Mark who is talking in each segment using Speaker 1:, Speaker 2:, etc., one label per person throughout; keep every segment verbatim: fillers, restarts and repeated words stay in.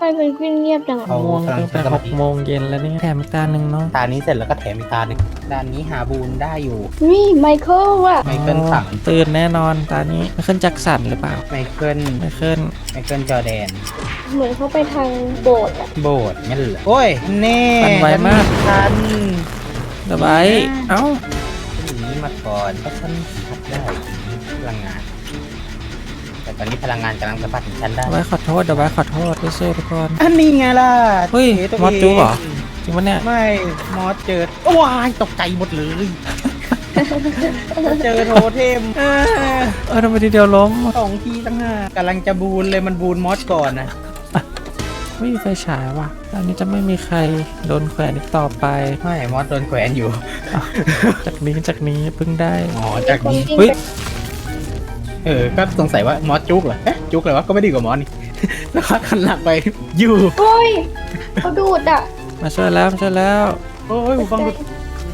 Speaker 1: มันเป็นกวินเงียบจัง
Speaker 2: เอา
Speaker 3: ง่วง
Speaker 2: กำลัง
Speaker 3: ตั้งแต่
Speaker 2: ใช้ส
Speaker 3: ห
Speaker 2: มาก ธิ
Speaker 3: โมงเย็นแล้วนี่แถมอีกตาหนึ่งเนาะ
Speaker 2: ตานี้เสร็จแล้วก็แถมอีกตาหนึ่งด้านนี้หาบูนได้อยู่
Speaker 1: นี่ไมเคิลว่ะ
Speaker 2: ไมเคิลสั่ง
Speaker 3: ตื่นแน่นอนตานี้ไมเคิลแจ็คสันหรือเปล่า
Speaker 2: ไมเคิล
Speaker 3: ไมเคิล
Speaker 2: ไมเคิลจอร์แดน
Speaker 1: เหมือนเขาไปทางโบสถ์อะ
Speaker 2: โบสถ์งั้นเหรอโอ้ยแน่
Speaker 3: ปันไวมาก
Speaker 2: ทัน
Speaker 3: สบายเอ้า
Speaker 2: ฉันหนีมาก่อนเพราะฉันทัดได้พลังงาน แต่ตอนนี้พลังงานกำลังสะพัดถึงฉันได้
Speaker 3: เดี๋ยวไว้ขอโทษเดี๋ยวไว้ขอโทษด้วยเซ่ทุกคน
Speaker 2: อันนี้ไงล่ะ
Speaker 3: เฮ้ย
Speaker 2: ตัว
Speaker 3: มอสจู๊เหรอ จริงปะเนี่ย
Speaker 2: ไม่มอสเจอว้ายตกใจหมดเลยเจอโทเทมเออ
Speaker 3: เออทำไมทีเดียวล้ม
Speaker 2: สองทีตั้งห้ากำลังจะบูนเลยมันบูนมอสก่อนนะ
Speaker 3: ไม่มีไฟฉายว่ะตอนนี้จะไม่มีใครโดนแขวนอีกต่อไป
Speaker 2: ไม่มอสโดนแขวนอยู่
Speaker 3: จากนี้จากนี้เพิ่งได้
Speaker 2: อ๋อจากนี้
Speaker 3: เฮ้ย
Speaker 2: เออก็สงสัยว่ามอสจุกเหรอเอ๊ะจุกเหรอวะก็ไม่ดีกว่ามอสนี่ แล้วก็ขันหลังไปอยู่
Speaker 1: โอ้ยเขาดูดอ่ะ
Speaker 3: มาช่วยแล้วมาช่วยแล้ว
Speaker 2: โอ้ยหูฟังหลุด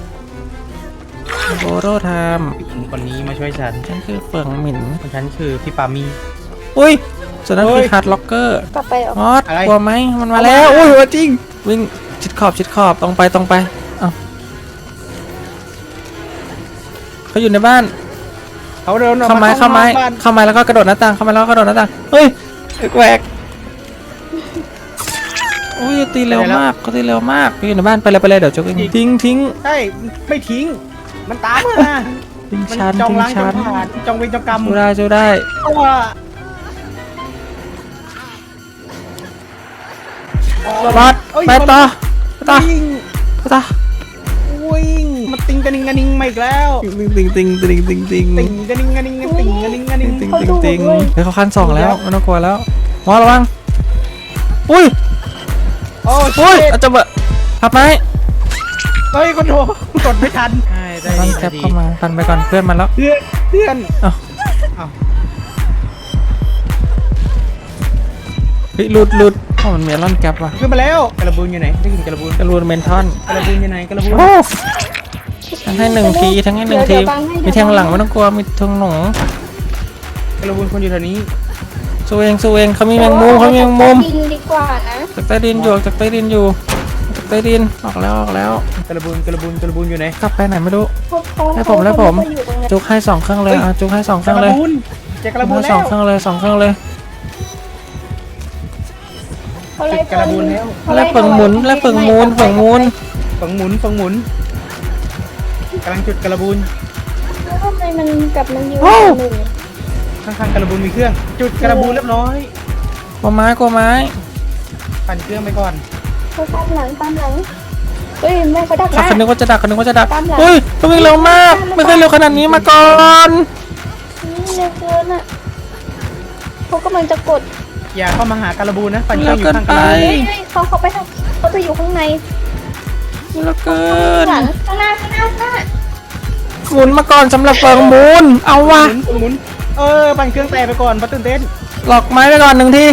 Speaker 3: โบโรไทม์
Speaker 2: คนนี้มาช่วยฉัน
Speaker 3: ฉันคือเฟืองหมิ่น
Speaker 2: ฉันคือพี่ปามี
Speaker 3: อุ้ยส่วนนั้น
Speaker 2: เฮ้
Speaker 3: คื
Speaker 2: ย
Speaker 3: อฮาร์ดล็อกเกอร์
Speaker 1: กลับไปเหรอ
Speaker 3: มอส
Speaker 2: อะไร
Speaker 3: กลัวไหมมันมาแล้วอุ้ยว่าจริงวิ่งชิดขอบชิดขอบตรงไปตรงไปเอ้าเขาอยู่ในบ้าน
Speaker 2: เขาเดินออก
Speaker 3: เข้าไม้เข้าไม้
Speaker 2: บ้าน
Speaker 3: เข้าไม้แล้วก็กระโดดหน้าต่างเข้าไม้แล้วก็กระโดดหน้าต่างเฮ้ยแหวกอุ้ยตีเร็วมากเขาตีเร็วมากอยู่ในบ้านไปเลยไปเลยเดี๋ยวจุกเองทิ้งทิ้ง
Speaker 2: ใช่ไม่ทิ้ง มันตามมา
Speaker 3: ทิ้ง
Speaker 2: มัน
Speaker 3: ชั้น
Speaker 2: จอง
Speaker 3: ทิ้ง
Speaker 2: ล้างจอ
Speaker 3: ชั้
Speaker 2: ง
Speaker 3: น
Speaker 2: ผ่านจองเวรจองกรรม
Speaker 3: จูได้จูได้
Speaker 2: ตัว
Speaker 3: บอส
Speaker 2: เอ้ย
Speaker 3: ไปต่อไปต่อ
Speaker 2: วิ่ง
Speaker 3: ไปต่อ
Speaker 2: วิ่งมาติงกระนิงกระนิงมาอีกแล้ว
Speaker 3: ติงติงติงติงติงติง
Speaker 2: ติงกระนิงกระนิงกระติงกระนิงกระนิง
Speaker 3: ติงติงติงเฮ้ยเขาขั้นสองแล้วไม่ต้องกลัวแล้วมอสระวังอุ้ย
Speaker 2: โอ้
Speaker 3: อุ้ย
Speaker 2: ย
Speaker 3: อาจจะเบะพับไหม
Speaker 2: เฮ้ยคนโทรกดไม่ทันได้
Speaker 3: ตอน
Speaker 2: ดี
Speaker 3: แคปเข้ามาพันไปก่อนเพื่อนมาแล้ว
Speaker 2: เพื่อนเพื่อน
Speaker 3: เอ้า
Speaker 2: เอ้า
Speaker 3: เฮ้ยหลุดหลุดอ๋อมันมีอลอนแคปว่ะ
Speaker 2: ขึ้นมาแล้วกระบูนอยู่ไหนได้ยินกระบูน
Speaker 3: กระลูนเมนทอน
Speaker 2: กระบูนอยู่ไหนกระบูน
Speaker 3: โอ้ทั้งให้หนึ่งทีทั้งให้หนึ่งทีมีแทงหลังไม่ต้องกลัวมีทงหนู
Speaker 2: กระบูนคนอยู่แถวนี้
Speaker 3: สู้เองสู้เองเขามีแมงมุมเขามีแมงมุม
Speaker 1: กินดีกว่านะ
Speaker 3: จากใต้ดินอยู่จากใต้ดินอยู่จากใต้ดินออกแล้วออกแล้ว
Speaker 2: กระบูนกระบูนกระบูนอยู่ไหน
Speaker 3: กลับไปไหนไม่รู้
Speaker 1: พวกเขา
Speaker 3: ให้ผมให้ผม
Speaker 1: เขาอยู่ตรงนั้น
Speaker 3: จุกให้สองเครื่องเลยอ่ะจุกให้สองเค
Speaker 2: ก
Speaker 3: รื่องเล
Speaker 2: ระ
Speaker 3: ย
Speaker 2: บูนเจอกระบูน
Speaker 3: ให้
Speaker 2: แล้
Speaker 3: สอ
Speaker 2: ว
Speaker 3: งเครื่องเลยสองเครื่องเลย
Speaker 1: เขาไล่
Speaker 2: กระบูนแล้ว
Speaker 3: แล้วเปิงหมุนแล้วเปิงมูนเปิงมูน
Speaker 2: ฝังหมุนฝังหมุนกำลังจุดกระบูน
Speaker 1: แล้วทำไมมันกลับมันอยู่หนึ่ง
Speaker 2: ข้างๆกระบูนมีเครื่อง จุดกระบูนเรียบร้อย
Speaker 3: กลัวไม้กลัวไม้
Speaker 2: ปั่นเครื่องไปก่อน
Speaker 1: เขาตามหลังตามหลังเฮ้ยแม่เขาดักห
Speaker 3: เขา
Speaker 1: น้า
Speaker 3: คนนึกว่าจะดักคนนึกว่าจะดัก
Speaker 1: ตามหลัง
Speaker 3: เฮ้ยเขาวิ่งเร็วมากไม่เคยเร็วขนาดนี้มาก่อน
Speaker 1: นี่เร็วเกินอ่ะเขากำลังจะกด
Speaker 2: อย่าเข้ามาหากระบูนนะปั่นเครื่
Speaker 3: เร็
Speaker 2: อ
Speaker 3: ว
Speaker 2: งอยู่
Speaker 3: เกิน
Speaker 2: ข้างก
Speaker 3: ไประ
Speaker 2: บูน
Speaker 1: เฮ้ยเฮ้ยเขาเขาไปทางเขาจะอยู่ข้างใน
Speaker 3: เร็วเกิน
Speaker 1: หลังข้างหน้าข้างหน้าข้างหน้า
Speaker 3: หมุนมาก่อนสำหรับเปิงมูนเอา
Speaker 2: ห
Speaker 3: วะ
Speaker 2: มุนหมุนเออปั่นเครื่องแต่ไปก่อนเพราะตื่นเต้น
Speaker 3: หลอกไม้ไปก่อนหนึ่งที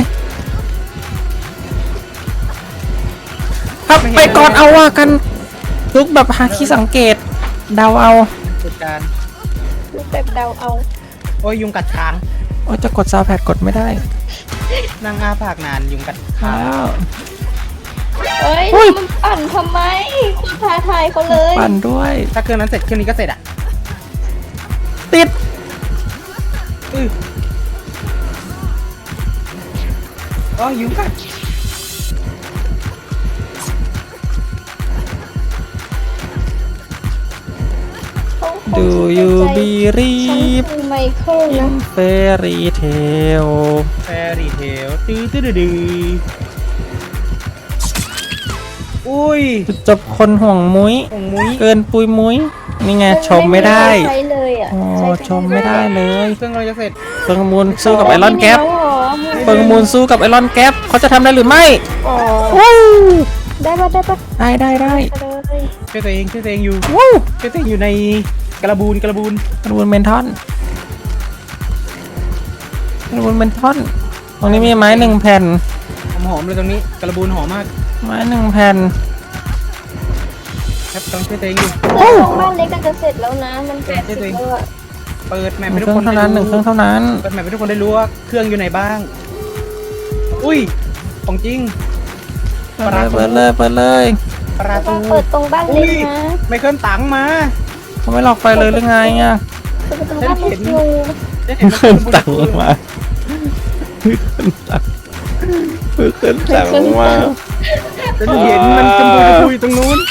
Speaker 3: ครับไปก่อนเอาว่ากันลุกแบบหาที่สังเกตเดาเอา
Speaker 2: จุดการ
Speaker 1: ดูแบบเดาเอา
Speaker 2: โอ้ยยุงกัดคาง
Speaker 3: โอ้ยจะกดซาวแพดกดไม่ได้
Speaker 2: นั่งอ้าปากนานยุงกัดคาง
Speaker 3: แล้ว
Speaker 1: เอ้ย
Speaker 3: อุ้ย
Speaker 1: มันปั่นทำไมคุณท้าทายเขาเลย
Speaker 3: ปั่นด้วย
Speaker 2: ถ้าเครื่องนั้นเสร็จเครื่องนี้ก็เสร็จอ่ะ
Speaker 3: ติด
Speaker 2: อืออ๋อยุงกัด
Speaker 1: เขาคง
Speaker 3: ดู
Speaker 1: คิ
Speaker 3: ยู
Speaker 1: ในใจ
Speaker 3: บีรี
Speaker 1: ฉัน
Speaker 3: บ
Speaker 1: คือไมเคิล
Speaker 3: อิ
Speaker 1: นะ
Speaker 3: นเฟรีเทล
Speaker 2: แฟรี่เทลตื้อตื้อดื้อดื้ออุ้ย
Speaker 3: จบคนห่วงมุ้ย
Speaker 2: ของมุ้ย
Speaker 3: เกินปุยมุ้ยนี่ไงชมไม่ได้
Speaker 1: ใช้เลยอ่ะ
Speaker 3: โอ้
Speaker 1: ใช้
Speaker 3: ชมไม่ได้เลย
Speaker 2: เครื่องเราจะเสร็จ
Speaker 3: เฟิงมูลสู้กับไอรอนแก๊ป
Speaker 1: ไม่เอาหรอ
Speaker 3: เฟิงมูลสู้กับไอรอนแก๊ปเขาจะทำได้หรือไม่
Speaker 1: อ๋อ
Speaker 3: วู้
Speaker 1: ได้ปะได้ปะ
Speaker 3: ได้ได้ได้
Speaker 1: เลย
Speaker 2: ช่วยตัวเองช่วยตัวเองอยู่
Speaker 3: วู้
Speaker 2: ช่วยตัวเองอยู่ในกระบูนกระบูน
Speaker 3: กระบวนเมนทอนกระบวนเมนทอนตรงนี้มีไม้หนึ่งแผ่น
Speaker 2: หอมๆเลยตรงนี้กระบูนหอมมาก
Speaker 3: ไม้หนึ่งแผ่น
Speaker 2: ครับต้องช่วยตัวเองอยู่
Speaker 1: เพื่อนของบ้านเล็กก็จะเสร็จแล้วนะมันแปดสิบแล้วอะ
Speaker 2: เปิดแมป
Speaker 3: ห
Speaker 2: ให้
Speaker 3: นึ่ง
Speaker 2: ทุ
Speaker 3: เค
Speaker 2: ก คนได้
Speaker 3: รื่องเท่านั้นหนึ่งเครื่อง
Speaker 2: รู้
Speaker 3: เท่านั้น
Speaker 2: เปิดแมปให้ทุกคนได้รู้ว่าเครื่องอยู่ไหนบ้าง อุ้ยของจริง
Speaker 3: เปิดเลยเปิดเลยเปิดเลย
Speaker 2: ประ
Speaker 1: ต้
Speaker 2: ตู
Speaker 1: องเปิดตรงบ้านเล็กนะ
Speaker 2: ไมเคิลตังมา
Speaker 3: เขาไม่หลอกไฟเลยหรือไงอ่ะ
Speaker 1: เปิดตรงบ้านเล็กอยู่
Speaker 2: ได้เห็น
Speaker 3: ขึ้นตังมาขึ้นตังขึ้นตังมา
Speaker 2: จะเห็นมันจมูกคุยตรงนู้น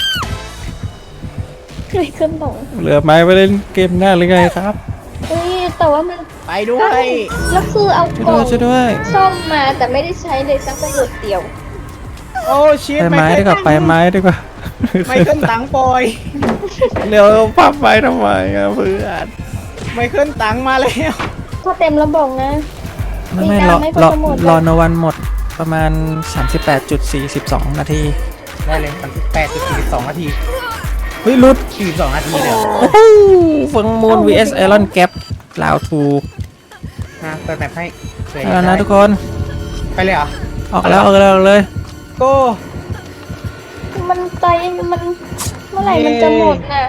Speaker 1: ไม่ขึ้นหลง
Speaker 3: เหลือไม้ไปเล่นเกมหน้าหรือไงครับ
Speaker 1: เฮ้ยแต่ว่ามัน
Speaker 2: ไปด้วย
Speaker 1: แล้วคือเอา
Speaker 3: ช่วย
Speaker 1: กล่
Speaker 3: ด้
Speaker 1: อ
Speaker 3: วย
Speaker 1: ง
Speaker 3: ช่วยด้วย
Speaker 1: ซ่อมมาแต่ไม่ได้ใช้เลยสักประโยชน์เดียว
Speaker 2: โอ้ชิต
Speaker 3: ไปไม้ดีกว่าไปไม้ดีกว่า
Speaker 2: ไมเคิลตังปอย
Speaker 3: เร็วพับไม้ทำไมอ่ะเพื่อน
Speaker 2: ไมเคิลตังมาแล้ว
Speaker 1: ถ้าเต็มแล้วบอกนะ
Speaker 3: ไม่ไม่
Speaker 1: ตี
Speaker 3: รอ
Speaker 1: น้ำไม่พอ
Speaker 3: รอ
Speaker 1: จะหมด
Speaker 3: รอโนวันหมดประมาณ สามสิบแปดจุดสี่สอง นาที
Speaker 2: ได้เลยสามสิบแปดจุดสี่สองนาที
Speaker 3: เฮ้ยรุด
Speaker 2: สี่สองนาทีเลยเหรอ
Speaker 3: โอ้โหฟังมูน วี เอส ไอรอนแกปลาวทู
Speaker 2: อ่ะเปิดแบบให้เผื่อ
Speaker 3: แล้วนะทุกคน
Speaker 2: ไปเลยเหรอ
Speaker 3: ออกแล้วออกแล้วออกเลย
Speaker 2: โก้
Speaker 1: มันใจมันเมื่อไหร่มันจะหมดน่ะ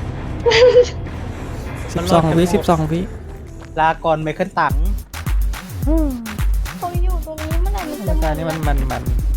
Speaker 3: สิบสองวิสิบสองวิ
Speaker 2: ลาก่อนไมเคิลตัง
Speaker 1: เขาอยู่ตรงนี้เมื่อไหร่มันจะ
Speaker 3: ราย
Speaker 1: หม
Speaker 3: การ
Speaker 1: ด
Speaker 3: นี้มันมันมัน